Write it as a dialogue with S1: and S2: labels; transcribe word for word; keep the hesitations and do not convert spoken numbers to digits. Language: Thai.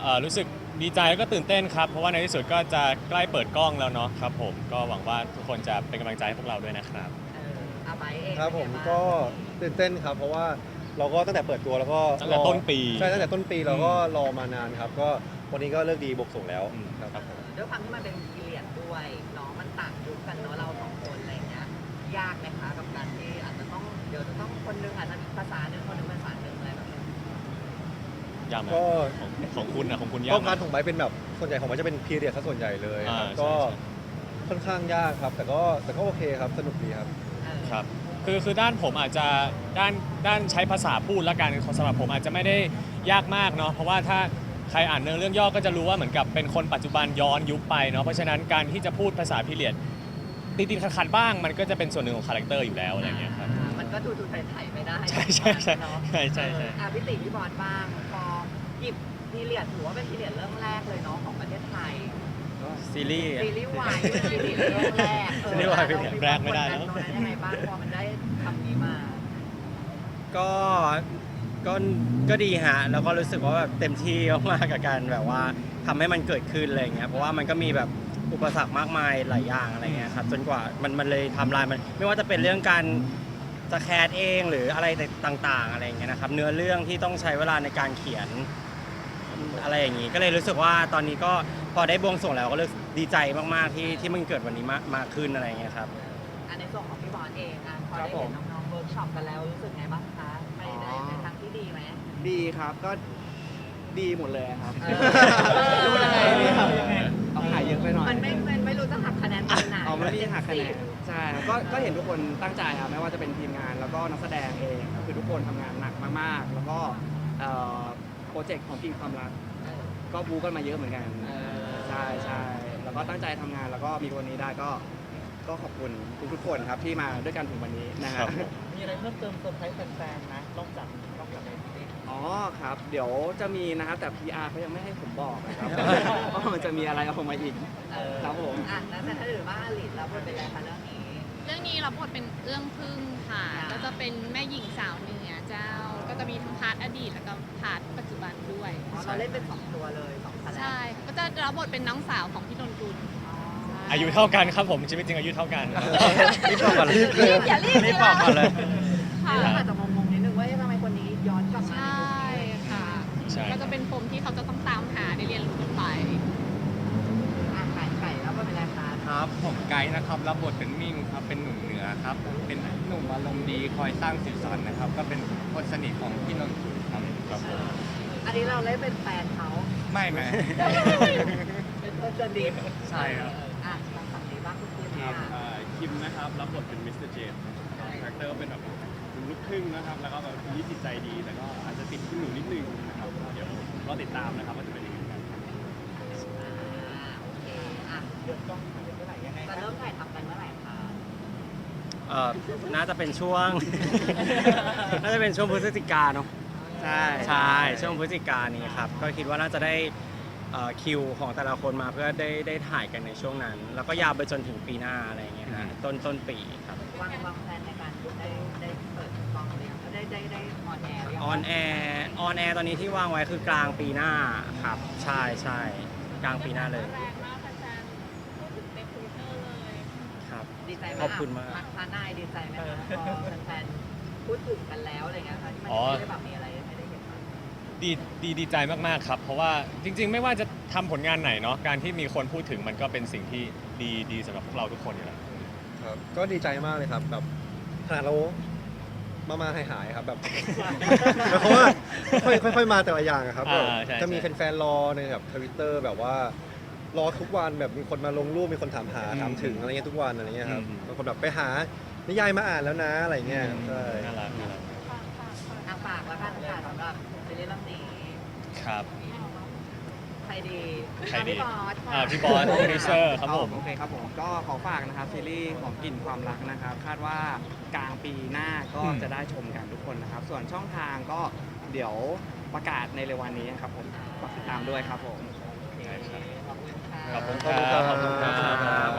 S1: รู้สึกดีใจแล้วก็ตื่นเต้นครับเพราะว่าในที่สุดก็จะใกล้เปิดกล้องแล้วเนาะครับผมก็หวังว่าทุกคนจะเป็นกำลังใจให้พวกเราด้วยนะครับ
S2: เอออาไบเอง
S3: ครับผมก็ตื่นเต้นครับเพราะว่าเราก็ตั้งแต่เปิดตัวแล้วก็
S1: ตั้งแต่ต้นปี
S3: ใช่ตั้งแต่ต้นปีเราก็รอมานานครับก็วันนี้ก็เลิกดีบวกส่งแล้วครับ
S2: ด้วยความที่มันเป็นพีเรียดด้วยเนาะมันต่างยุคกันเนาะเราสองคนอะไรเงี้ยยากไหมคะกับการที่อาจจะต้องเดี๋ยวจะต้องคนนึงอาจจะภาษาหนึ่งคนนึงภาษาหนึ่งอะไรแบบนี้
S1: ยากไหมของของคุณนะของคุณยาก
S3: ก็การของไบเป็นแบบส่วนใหญ่ของไบจะเป็นพีเรียดซะส่วนใหญ่เลยครับก็ค่อนข้างยากครับแต่ก็แต่ก็โอเคครับสนุกดีครับ
S1: ครับคือคือด้านผมอาจจะด้านด้านใช้ภาษาพูดและกันสำหรับผมอาจจะไม่ได้ยากมากเนาะเพราะว่าถ้าใครอ่านเนื้อเรื่องย่อก็จะรู้ว่าเหมือนกับเป็นคนปัจจุบันย้อนยุคไปเนาะเพราะฉะนั้นการที่จะพูดภาษาพีเรียดติดๆขัดๆบ้างมันก็จะเป็นส่วนหนึ่งของคาแรคเตอร์อยู่แล้วอะไรเงี้ยครับ
S2: มันก็ดูดูไทยๆไม่ได้
S1: ใช่ใช่ใช่ใช่ใช่ใช่
S2: อ่ะพี่ติ๋พี่บอลบ้างพอหยิบพีเรียดถือว่าเป็นพีเรียดเรื่องแรกเลยเนาะของประเทศไทย
S1: ซีรีส์
S2: ซีรีส์วายพีเรียดเรื่องแรก
S1: ซีรีส์วายพีเรียดแรกไม่ได้แล้ว
S2: ยังไงบ้างพอมันได้คำนี้มา
S4: ก็ก็ก็ดีฮะแล้วก็รู้สึกว่าแบบเต็มที่มากๆกับการแบบว่าทำให้มันเกิดขึ้นอะไรเงี้ยเพราะว่ามันก็มีแบบอุปสรรคมากมายหลายอย่างอะไรเงี้ยครับจนกว่ามันมันเลยทำลายมันไม่ว่าจะเป็นเรื่องการจะแคสเองหรืออะไรต่างๆอะไรเงี้ยนะครับเนื้อเรื่องที่ต้องใช้เวลาในการเขียนอะไรอย่างงี้ก็เลยรู้สึกว่าตอนนี้ก็พอได้บวงสรวงแล้วก็รู้สึกดีใจมากๆที่ที่มันเกิดวันนี้มากมากขึ้นอะไรเงี้ยครับ
S2: อันในส่วนของพี่บอลเองอ่ะพอได้เห็นน้องๆเวิร์กช็อปกันแล้วรู้สึกไงบ้างคะไปในทางที่ดีไหม
S5: ดีครับก็ดีหมดเลยครับ
S2: รู้ยังไง
S5: เอาขายเยอะไปหน่อย
S2: มันไม่มันไม่รู้จะหักคะแนนตรงไหน
S5: เอาไม่ได้หักคะแนนใช่ก็ก็เห็นทุกคนตั้งใจครับไม่ว่าจะเป็นทีมงานแล้วก็นักแสดงเองก็คือทุกคนทำงานหนักมากๆแล้วก็โปรเจกต์ของทีมความรักก็บู๊กันมาเยอะเหมือนกันใช่ใช่แล้วก็ตั้งใจทำงานแล้วก็มีวันนี้ได้ก็ก็ขอบคุณทุกๆคนครับที่มาด้วยกันถึงวันนี้นะครับ
S2: มีอะไรเพิ่มเติมเซอร์ไพรส์แฟนๆนะนอกจากนอกจากในนี้
S5: อ๋อครับเดี๋ยวจะมีนะครับแต่ พี อาร์ เขายังไม่ให้ผมบอกนะครับว่ามันจะมีอะไรออกมาอีกครับผม
S2: อ่ะแล้วแต่ถ้าถือว่าอลิศรับบทเป็นอะไรคะเรื่องนี้
S6: เรื่องนี้รับบทเป็นเอื้องพึ่งค่ะก็จะเป็นแม่หญิงสาวเหนือเจ้าก็จะมีทั้งพาร์ทอดีตแล้วก็พาร์ทปัจจุบันด้วย
S2: เราเล่นเป็นสองตัวเลยสองคาแรคเตอร์
S6: ใช่ก็จะรับบทเป็นน้องสาวของพี่นนกุล
S1: อายุเท่ากันครับผมชีวิตจริงอายุเท่ากัน
S4: รีบบอกก่อนเลย
S2: อย่ารีบ
S4: รีบบอกก่อนเลย
S2: อาจจะงงๆนิดนึงว่าทำไมคนนี้ย้อนกลับมา
S6: ใช่ค่ะก็จะเป็นปมที่เขาจะต้องตามหาได้เรียนรู้กันไป
S2: ไก่ไก่แล้วก็เป็นอะไรคะ
S7: ครับผมไกด์นะครับรับบทเป็นมิ่งครับเป็นหนุ่มเหนือครับเป็นหนุ่มอารมณ์ดีคอยสร้างสีสันนะครับก็เป็นคนสนิทของพี่นนท์ครับครับผม
S2: อันนี้เราเล่นเป็นแฟนเขา
S7: ไม่ไหม
S2: เป็นคนสนิท
S7: ใช่ครับ
S2: อ่ะทางฝั่งนี้บ้างคุณคิม
S7: ครับคิมนะครับรับบทเป็นมิสเตอร์เจมส์คาแรคเตอร์ก็เป็นแบบลูกครึ่งนะครับแล้วก็แบบมีจิตใจดีแต่ก็อาจจะติดขึ้นหนูนิดนึงนะครับเดี๋ยวรอติดตามนะครับว่าจะเป็นยังไงกัน
S2: โอเคอ่ะเดี๋ยวต้องเมื่อไหร่ยังไงจะเริ่มถ่ายทำกันเมื่อไหร่คะ
S4: เอ่อน่าจะเป็นช่วงน่าจะเป็นช่วงพฤศจิกาเนาะ
S5: ใช่
S4: ใช่ช่วงพฤศจิกานี้ครับก็คิดว่าน่าจะได้คิวของแต่ละคนมาเพื่อได้ได้ถ่ายกันในช่วงนั้นแล้วก็ยาวไปจนถึงปีหน้าอะไรอย่างเงี้ยฮะต้นต้นปีครับ
S2: วางวางแผนในการได้ได้เปิดกล้องเลยได้ได้ได้ออนแอร์
S4: ออนแอร์ออนแอร์ตอนนี้ที่วางไว้คือกลางปีหน้าครับใช่ใช่กลางปีหน้าเลย
S6: แรงมากแฟนๆพูดถึงในทวิตเตอร์เลย
S4: ครับ
S2: ดีใจไหม
S4: ขอบคุณมาก
S2: พานายดีใจไหมคะพอแฟนๆพูดถึงกันแล้วอะไรเงี้ยค่ะที่มันไม่ได้แบบมีอะไรให้ได้เห็น
S1: ดีดีดีใจมากๆครับเพราะว่าจริงๆไม่ว่าจะทำผลงานไหนเนาะการที่มีคนพูดถึงมันก็เป็นสิ่งที่ดีดีสำหรับพวกเราทุกคนอยู่แล้ว
S3: ครับก็ดีใจมากเลยครับแบบขนาดเรามามาหายหายครับแบบเพราะว่าค่อยค่อยมาแต่ละอย่างครับจะมีแฟนๆรอในแบบทวิตเตอร์แบบว่ารอทุกวันแบบมีคนมาลงรูปมีคนถามหาถามถึงอะไรเงี้ยทุกวันอะไรเงี้ยครับบางคนแบบไปหานิยายมาอ่านแล้วนะอะไรเงี้ยใช่
S1: น่ารักน่ารัก
S2: ฝากแล้วกันค่ะสำหรับซีรีส์เรื่องนี้
S1: ครับ
S2: ใครดี
S1: ใครดี
S2: พี่บอส
S1: อ่าพี่บอสโปรดิวเซอร์ครับผม
S5: โอเคครับผมก็ขอฝากนะครับซีรีส์ของกลิ่นความรักนะครับคาดว่ากลางปีหน้าก็จะได้ชมกันทุกคนนะครับส่วนช่องทางก็เดี๋ยวประกาศในเร็ววันนี้ครับผมฝากติดตามด้วยครับผม
S2: ขอบคุณค่ะ
S1: ขอบคุณครับขอบคุณครับ